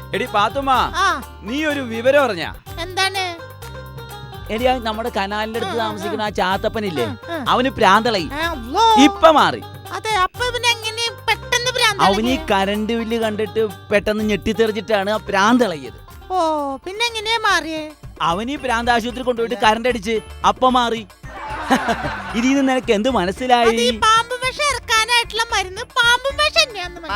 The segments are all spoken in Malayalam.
എടി പാത്തുമ്മ, നീ ഒരു വിവരം അറിഞ്ഞ? എന്താണ്? എടി നമ്മുടെ കനാലിന്റെ അടുത്ത് താമസിക്കുന്ന ആ ചാത്തപ്പനില്ലേ, അവന് പ്രാന്തളയി. ഇപ്പൊ മാറി. അവന് ഈ കറണ്ട് ബില്ല് കണ്ടിട്ട് പെട്ടെന്ന് ഞെട്ടിത്തെറിച്ചിട്ടാണ് ആ പ്രാന്തളയത്. ഓ, പിന്നെ എങ്ങനെയാ മാറിയേ? അവന് ഈ പ്രാന്ത ആശുപത്രി കൊണ്ടുപോയിട്ട് കറണ്ട് അടിച്ച് അപ്പ മാറി. ഇതിന്ന് നിനക്ക് എന്ത് മനസ്സിലായി? പാമ്പ് വിഷം ഇറക്കാനായിട്ടുള്ള മരുന്ന് പാമ്പ് വിഷം തന്നെയാന്ന്.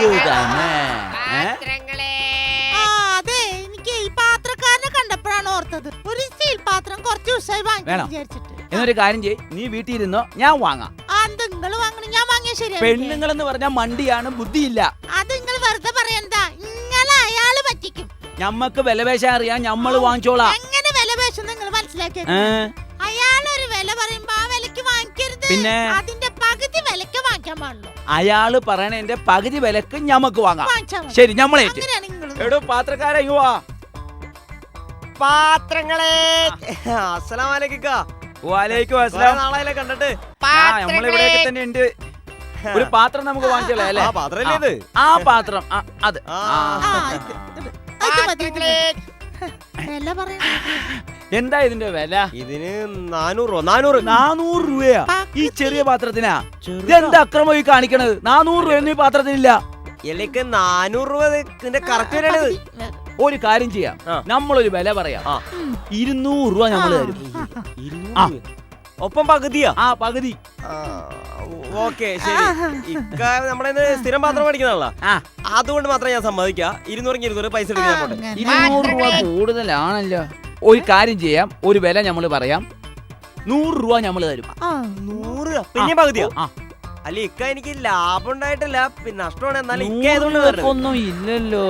അതെ, എനിക്ക് ഈ പാത്രക്കാരനെ കണ്ടപ്പോഴാണ് ഓർത്തത്. ഒരു സ്റ്റീൽ പാത്രം കുറച്ച് ദിവസമായി വാങ്ങിക്കാൻ വിചാരിച്ചിട്ട്. എന്നൊരു കാര്യം ചെയ്യ്, നീ വീട്ടിൽ ഇരുന്നോ, ഞാൻ വാങ്ങാം. നിങ്ങൾ വാങ്ങണം, ഞാൻ വാങ്ങിയ ശരിയാ. പെണ്ണുങ്ങളെന്ന് പറഞ്ഞാൽ മണ്ടിയാണ്, ബുദ്ധിയില്ല. അത് നിങ്ങൾ വെറുതെ പറയണ്ട, ഇങ്ങളെ അയാള് പറ്റിക്കും. ഞമ്മക്ക് വിലപേശാൻ അറിയാം, ഞമ്മള് വാങ്ങിച്ചോളാം. എങ്ങനെ വിലപേശം നിങ്ങൾ മനസ്സിലാക്കി? അയാളൊരു വില പറയുമ്പോ ആ വിലക്ക് വാങ്ങിക്കരുത്, പിന്നെ അതിന്റെ പകുതി വിലക്ക് വാങ്ങിക്കാൻ പാടുള്ളൂ. അയാള് പറയണതിന്റെ പകുതി വിലക്ക് ഞമ്മക്ക് വാങ്ങാം. ശരി, ഞമ്മളെ എടോ പാത്രക്കാരെ യുവാ. പാത്രങ്ങളെ അസ്സലാമു അലൈക്കും. വലൈക്കും അസ്സലാം. നാളെ കണ്ടിട്ട് നമ്മളിവിടെയൊക്കെ തന്നെ ഉണ്ട്. ഒരു പാത്രം നമുക്ക് വാങ്ങിച്ചോളാം അല്ലേ? ആ പാത്രം, അത് എന്താ ഇതിന്റെ വില? ഇതിന് 400 രൂപയാ ഈ ചെറിയ പാത്രത്തിനാ. ഇതെന്താ അക്രമം ഈ കാണിക്കണത്? 400 രൂപയൊന്നും ഈ പാത്രത്തിനില്ല. 400 രൂപ കറക്റ്റ് വിലയാണിത്. ഒരു കാര്യം ചെയ്യാം, നമ്മളൊരു വില പറയാം. 200 രൂപ നമ്മൾ തരും. ഒപ്പം പകുതിയാ? പകുതി. ഓക്കെ, ശരി. നമ്മുടെ സ്ഥിരം പാത്രം മേടിക്കുന്നതാണല്ലോ, അതുകൊണ്ട് മാത്രം ഞാൻ സമ്മതിക്കാം. 200 പൈസ എടുക്കാൻ. 200 രൂപ കൂടുതലാണല്ലോ. ഒരു കാര്യം ചെയ്യാം, ഒരു വില നമ്മൾ പറയാം. 100 രൂപ നമ്മൾ തരും. 100? പിന്നെ പകുതിയാ? അല്ല ഇക്ക, എനിക്ക് ലാഭം ഉണ്ടായിട്ടില്ല, പിന്നെ നഷ്ടമാണ്. എന്നാലും ഒന്നും ഇല്ലല്ലോ.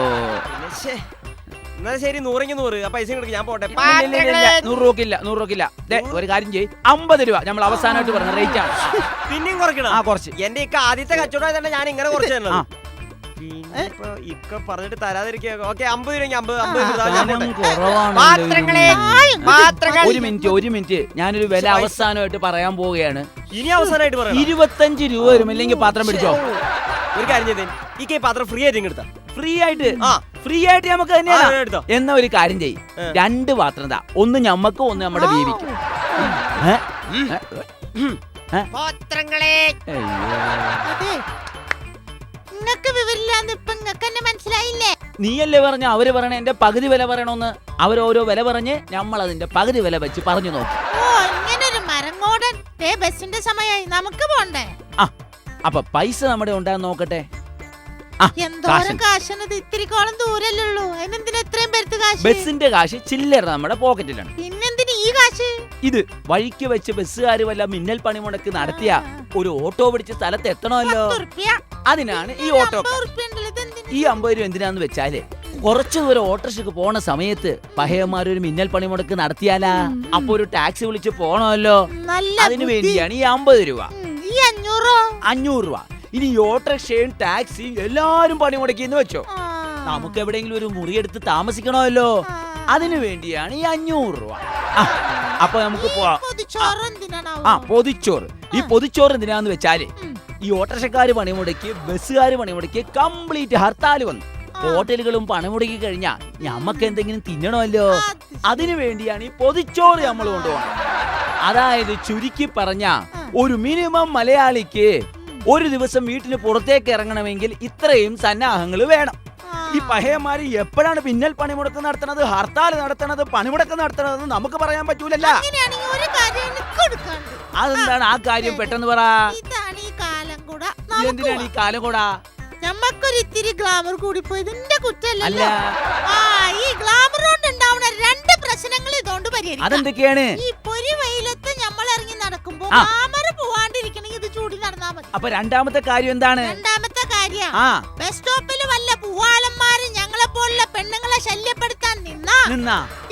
എന്നാ ശരി, 100 പൈസ കൊടുക്കും, ഞാൻ പോട്ടെ. 100 രൂപക്കില്ല. ഒരു കാര്യം ചെയ്യ്, 50 രൂപ നമ്മൾ അവസാനമായിട്ട് പറഞ്ഞ റേറ്റ് ആണ്. പിന്നെയും കുറയ്ക്കണം? കുറച്ച്. എന്റെ ഇക്ക ആദ്യത്തെ കച്ചവടം തന്നെ, ഞാൻ ഇങ്ങനെ കുറച്ച് തന്നെ. ഇക്ക പറഞ്ഞിട്ട് തരാതിരിക്കുക. ഓക്കെ, 50 രൂപ. ഒരു മിനിറ്റ്, ഞാനൊരു വില അവസാനമായിട്ട് പറയാൻ പോവുകയാണ്. ഇനി അവസാനമായിട്ട് പറയാം. 25 രൂപ വരും, ഇല്ലെങ്കിൽ പാത്രം പിടിച്ചോ. ഒരു കാര്യം ചെയ്തേ, ഈ പാത്രം ഫ്രീ ആയിട്ട് എടുത്താ. ഫ്രീ ആയിട്ട് നമുക്ക് തന്നെയാണ്. എന്ന ഒരു കാര്യം ചെയ്യും, 2 പാത്രം താ. ഒന്ന് ഞമ്മക്ക്, ഒന്ന് നമ്മുടെ ബീവിക്ക്. നീയല്ലേ പറഞ്ഞ അവര് പറയണ എന്റെ പകുതി വില പറയണോന്ന്. അവരോരോ വില പറഞ്ഞ് നമ്മൾ അതിന്റെ പകുതി വില വെച്ച് പറഞ്ഞു നോക്കി. ബസിന്റെ സമയമായി, നമുക്ക് പോണ്ടേ? അപ്പൊ പൈസ നമ്മുടെ ഉണ്ടാന്ന് നോക്കട്ടെ. ബസിന്റെ കാശ് ചില്ലറ നമ്മുടെ പോക്കറ്റിലാണ്. ഇത് വഴിക്ക് വെച്ച് ബസ്സുകാര് വല്ല മിന്നൽ പണിമുടക്ക് നടത്തിയ ഒരു ഓട്ടോ പിടിച്ച് സ്ഥലത്ത് എത്തണമല്ലോ, അതിനാണ് ഈ ഓട്ടോ. ഈ 50 രൂപ എന്തിനാന്ന് വെച്ചാല്, കുറച്ചു ദൂരം ഓട്ടോറിക്ഷക്ക് പോണ സമയത്ത് പഹയന്മാരൊരു മിന്നൽ പണിമുടക്ക് നടത്തിയാലാ, അപ്പൊ ഒരു ടാക്സി വിളിച്ച് പോണമല്ലോ, അതിനു വേണ്ടിയാണ് ഈ 50 രൂപ. 500 രൂപ. ഇനി ഓട്ടോറിക്ഷയും ടാക്സിയും എല്ലാരും പണി മുടക്കിന്ന് വെച്ചോ, നമുക്ക് എവിടെയെങ്കിലും ഒരു മുറിയെടുത്ത് താമസിക്കണമല്ലോ, അതിനു വേണ്ടിയാണ് ഈ 500 രൂപ. അപ്പൊ നമുക്ക് പോവാം. പൊതിച്ചോറ്. ഈ പൊതിച്ചോറ് എന്തിനാന്ന് വെച്ചാല്, ഈ ഓട്ടോറിക്ഷക്കാര് പണിമുടക്കി, ബസ്സുകാര് പണിമുടക്കി, കംപ്ലീറ്റ് ഹർത്താൽ വന്നു. ഹോട്ടലുകളും പണിമുടക്കി കഴിഞ്ഞാൽ ഞമ്മക്ക് എന്തെങ്കിലും തിന്നണമല്ലോ, അതിനു വേണ്ടിയാണ് ഈ പൊതിച്ചോറ് നമ്മൾ കൊണ്ടുപോകണം. അതായത് ചുരുക്കി പറഞ്ഞ, ഒരു മിനിമം മലയാളിക്ക് ഒരു ദിവസം വീട്ടിന് പുറത്തേക്ക് ഇറങ്ങണമെങ്കിൽ ഇത്രയും സന്നാഹങ്ങൾ വേണം. ഈ പഹയന്മാര് എപ്പോഴാണ് പിന്നൽ പണിമുടക്ക് നടത്തണത്, ഹർത്താൽ നടത്തണത്, പണിമുടക്ക് നടത്തണതെന്ന് നമുക്ക് പറയാൻ പറ്റൂലല്ലോ. അതെന്താണ് ആ കാര്യം? പെട്ടെന്ന് പറ. എന്തിനാണ് ഈ കാലം കൂടാ? നമ്മക്കൊരു ഇത്തിരി ഗ്ലാമർ കൂടി പോയത് എന്റെ കുറ്റല്ല. ഈ ഗ്ലാമർ കൊണ്ട് ഉണ്ടാവുന്ന 2 പ്രശ്നങ്ങൾ ഇതുകൊണ്ട് പരിഹരിക്കാം. അതെന്തൊക്കെയാണ്? ഈ പൊരി വെയിലത്ത് നമ്മൾ ഇറങ്ങി നടക്കുമ്പോ ഗ്ലാമർ പോവാണ്ടിരിക്കണമെങ്കിൽ ഇത് ചൂടി നടന്നാ മതി. അപ്പൊ രണ്ടാമത്തെ കാര്യം എന്താണ്? രണ്ടാമത്തെ കാര്യം, ബസ് സ്റ്റോപ്പിൽ വല്ല പൂവാലന്മാര് ഞങ്ങളെ പോലുള്ള പെണ്ണുങ്ങളെ ശല്യപ്പെടുത്താൻ നിന്നാ